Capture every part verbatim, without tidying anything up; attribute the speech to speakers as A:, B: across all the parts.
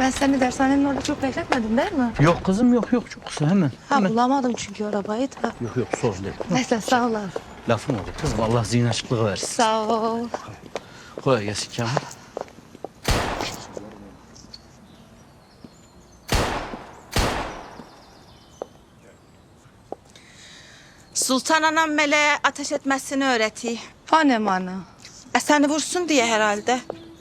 A: Ben seni dershanenin orada çok bekletmedim değil mi?
B: Yok kızım yok yok çok kısa hemen.
A: Ha
B: hemen.
A: bulamadım çünkü arabayı da.
B: Yok yok sorun değil.
A: Neyse sağ ol abi.
B: Lafım olur kızım Allah zihin açıklığı versin.
A: Sağ ol.
B: Kolay gelsin Kamil.
C: Sultan anam meleğe ateş etmesini öğretiyor.
A: Fane mana.
C: E seni vursun diye herhalde.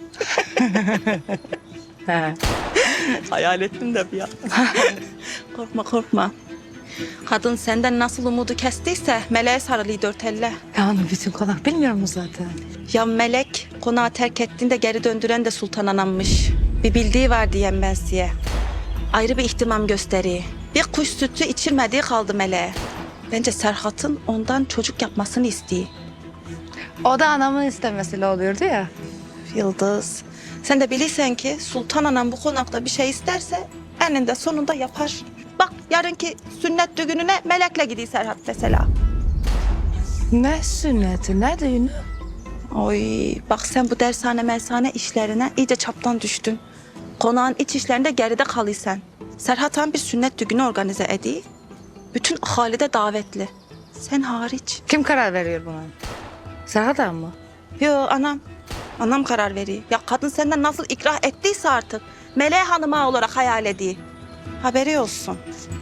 C: Hayal ettim de bir an. Korkma korkma. Kadın senden nasıl umudu kestiyse meleğe sarılıyor dört elle.
A: Ya onu bütün konak bilmiyor mu zaten?
C: Ya melek konağı terk ettiğinde geri döndüren de sultan anammış. Bir bildiği var diyem ben size. Ayrı bir ihtimam gösteriyor. Bir kuş sütü içirmediği kaldı meleğe. Bence Serhat'ın ondan çocuk yapmasını istiyor.
A: O da anamın istemesiyle oluyordu ya.
C: Yıldız, sen de bilirsen ki Sultan Anam bu konakta bir şey isterse eninde sonunda yapar. Bak yarınki sünnet düğününe melekle gidiyor Serhat mesela.
A: Ne sünneti, ne düğünü?
C: Oy bak sen bu dershane mersane işlerine iyice çaptan düştün. Konağın iç işlerinde geride kalıysan. Serhat Han bir sünnet düğünü organize ediyor. Bütün ahali de davetli. Sen hariç.
A: Kim karar veriyor buna? Serhat abi mı?
C: Yo anam. Anam karar veriyor. Ya kadın senden nasıl ikrah ettiyse artık Meleğe Hanım'a olarak hayal ediyor. Haberi olsun.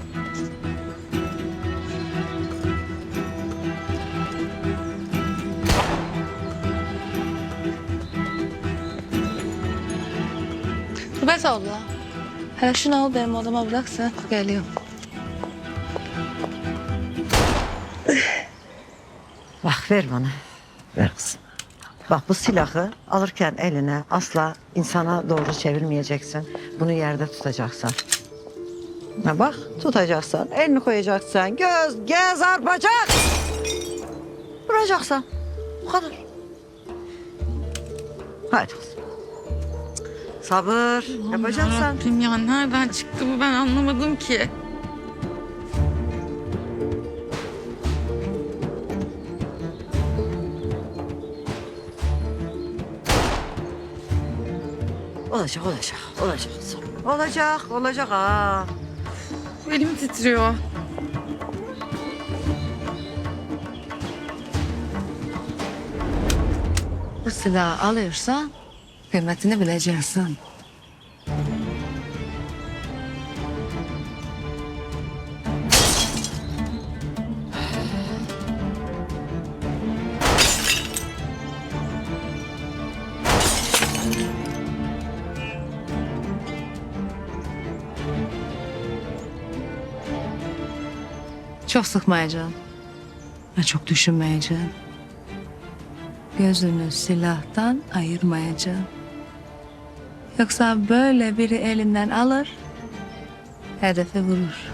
A: Rübet abla. Hele şunu al benim odama bırak sen. Geliyorum.
D: Bak ver bana. Ver kızım. Bak bu silahı alırken eline asla insana doğru çevirmeyeceksin. Bunu yerde tutacaksın. Ha bak tutacaksın. Elini koyacaksın. Göz, göz arpacak. Vuracaksın. Bu kadar. Haydi kızım. Sabır. Yapacaksın.
E: Rabbim ya nereden çıktı bu ben anlamadım ki.
D: Olacak, olacak, olacak. Olacak, olacak ha.
E: Elim titriyor.
A: Bu silahı alıyorsan kıymetini bileceksin. Çok sıkmayacağım. Ve çok düşünmeyeceğim. Gözünü silahtan ayırmayacağım. Yoksa böyle biri elinden alır, hedefe vurur.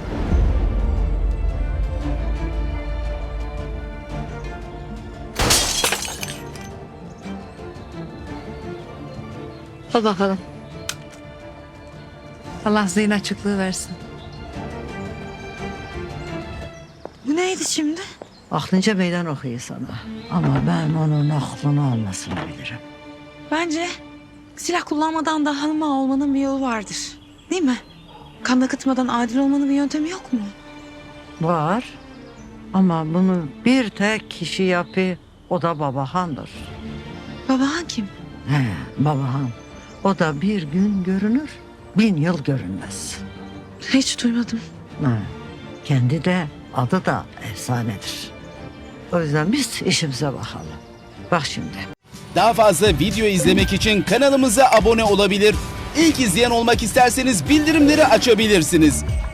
A: Al bakalım. Allah zihin açıklığı versin.
E: Bu neydi şimdi?
D: Aklınca meydan okuyor sana. Ama ben onun aklını almasını bilirim.
E: Bence silah kullanmadan da hanıma olmanın bir yolu vardır. Değil mi? Kan akıtmadan adil olmanın bir yöntemi yok mu?
D: Var. Ama bunu bir tek kişi yapıyor. O da Babahan'dır.
E: Babahan kim?
D: He, Babahan. O da bir gün görünür, bin yıl görünmez.
E: Hiç duymadım.
D: Ha, kendi de adı da efsanedir. O yüzden biz işimize bakalım. Bak şimdi.
F: Daha fazla video izlemek için kanalımıza abone olabilir. İlk izleyen olmak isterseniz bildirimleri açabilirsiniz.